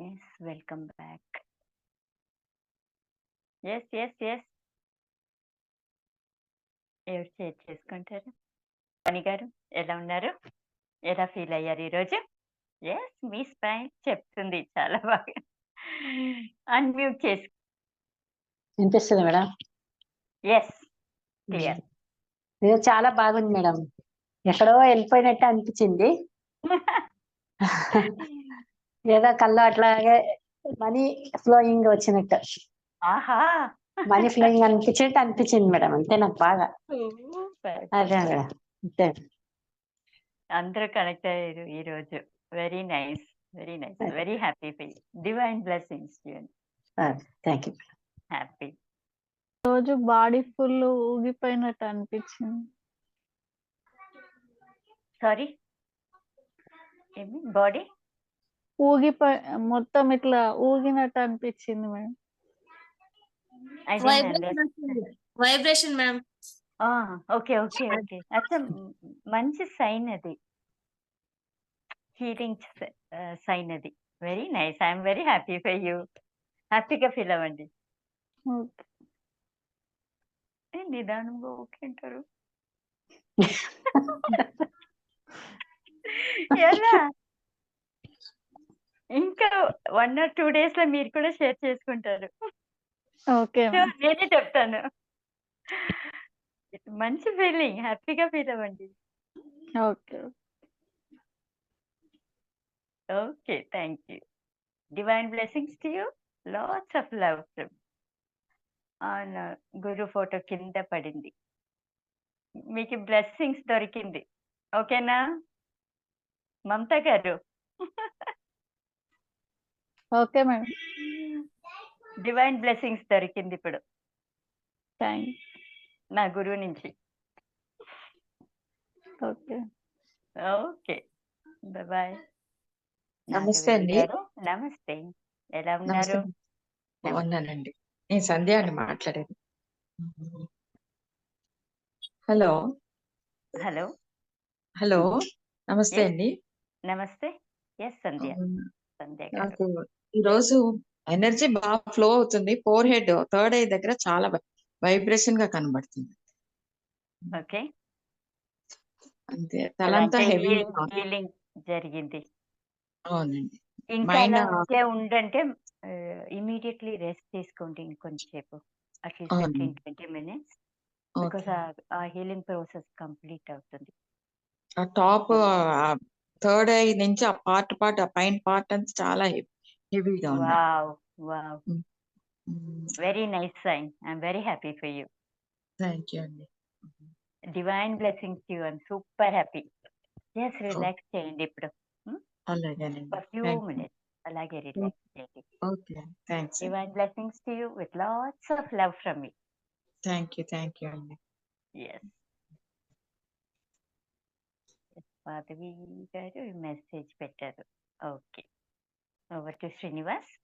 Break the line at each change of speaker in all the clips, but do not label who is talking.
Yes, welcome back. Yes. ఎవరు share చేసుకుంటారు? పని గారు ఎలా ఉన్నారు? ఎలా ఫీల్ అయ్యారు ఈరోజు? ఎస్, మీ స్మైల్ చెప్తుంది చాలా బాగా. అన్మ్యూట్ చేసి
వినిపిస్తుంది మేడం.
Yes, clear.
ఇది చాలా బాగుంది మేడం. ఎక్కడో వెళ్ళిపోయినట్టు అనిపించింది. ఏదో కళ్ళు అట్లాగే మనీ ఫ్లోయింగ్ వచ్చినట్టు,
ఆహా,
మనీ ఫ్లోయింగ్ అనిపించింది మేడం. అంతే నాకు బాగా.
సూపర్.
అదే మేడం, అంతే.
అందరూ కనెక్ట్ అయ్యారు ఈరోజు. Very nice, very happy feel. Divine blessings to you.
Thank you.
Happy.
రోజు బాడీ ఫుల్ ఊగిపోయినట్టు అనిపించింది.
సారీ, ఏమి బాడీ
ఊగిపోయి మొత్తం ఇట్లా ఊగినట్టు అనిపించింది మేడం.
Vibration madam.
ఓకే. అచ్చా, మంచి సైన్ అది, హీలింగ్ సైన్ అది. Very nice. I'm very happy for you. హ్యాపీగా ఫీల్ అవ్వండి.
ఓకే.
నిదానంగా ఓకే అంటారు. ఎలా ఇంకా 1 or 2 days లో మీరు కూడా షేర్ చేసుకుంటారు.
ఓకే
సో నేనే చెప్తాను. మంచి ఫీలింగ్, హ్యాపీగా ఫీల్ అవ్వండి.
Okay.
Okay, thank you. Divine blessings to you. Lots of love from on గురు ఫోటో కింద పడింది. మీకు బ్లెస్సింగ్స్ దొరికింది. ఓకేనా మమతా గారు?
Okay madam.
డివైన్ బ్లెస్సింగ్స్ దొరికింది ఇప్పుడు
థ్యాంక్.
నా గురువు నుంచి.
ఓకే.
Okay, bye.
నమస్తే అండి.
నమస్తే, ఎలా ఉన్నారు?
బాగున్నానండి. నేను సంధ్య అండి మాట్లాడేది. హలో
హలో
హలో నమస్తే
Yes.
అండి.
నమస్తే. ఎస్, సంధ్య గారు.
నాకు ఈరోజు ఎనర్జీ బాగా ఫ్లో అవుతుంది. ఫోర్ హెడ్, థర్డ్ ఐ దగ్గర చాలా వైబ్రేషన్ గా కనబడుతుంది.
ఓకే,
అంతే, తలంతా హెవీ.
హీలింగ్ జరిగింది.
అవునండి.
ఇంకా
మైండ్
అలాగే ఉండంటే ఇమీడియట్లీ రెస్ట్ తీసుకోండి ఇంకొంచెంసేపు, అట్లీస్ట్
అవును.
15-20 minutes, because uh healing process complete అవుతుంది.
ఆ టాప్ థర్డ్ ఐ నుంచి ఆ పార్ట్ ఆ పైన పార్ట్ అంతా చాలా హెవీగా ఉంది.
Wow, very nice sign. I'm very happy for you.
Thank you అండి.
Divine blessings to you. I'm super happy. Just relax చేయండి ఇప్పుడు
అలాగేనండి.
For few
thank you.
Minutes. అలాగే రిలాక్స్ చేయండి.
Okay, thanks.
Divine blessings to you with lots of love from me.
Thank you అండి.
Yes, Madhavi గారు message పెట్టారు. Okay, over to Srinivas.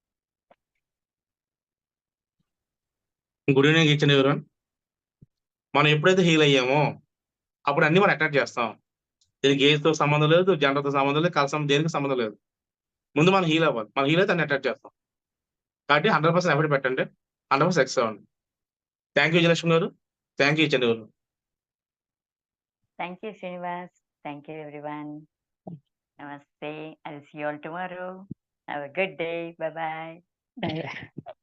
Good evening each and everyone. మనం ఎప్పుడైతే హీల్ అయ్యామో అప్పుడు అన్ని మనం అట్రాక్ట్ చేస్తాం. దీనికి ఏజ్తో సంబంధం లేదు, జెండర్తో సంబంధం లేదు, కలసం దేనికి సంబంధం లేదు. ముందు మనం హీల్ అవ్వాలి. మనం హీల్ అయితే అన్ని అట్రాక్ట్ చేస్తాం. కాబట్టి 100% ఎఫర్ట్ పెట్టండి, 100% సక్సెస్ అవ్వండి. థ్యాంక్ యూ విజయలక్ష్మి గారు. Thank you each and everyone.
Thank you Srinivas. Thank you everyone. నమస్తే. I will see you all tomorrow. Have a good day. Bye bye.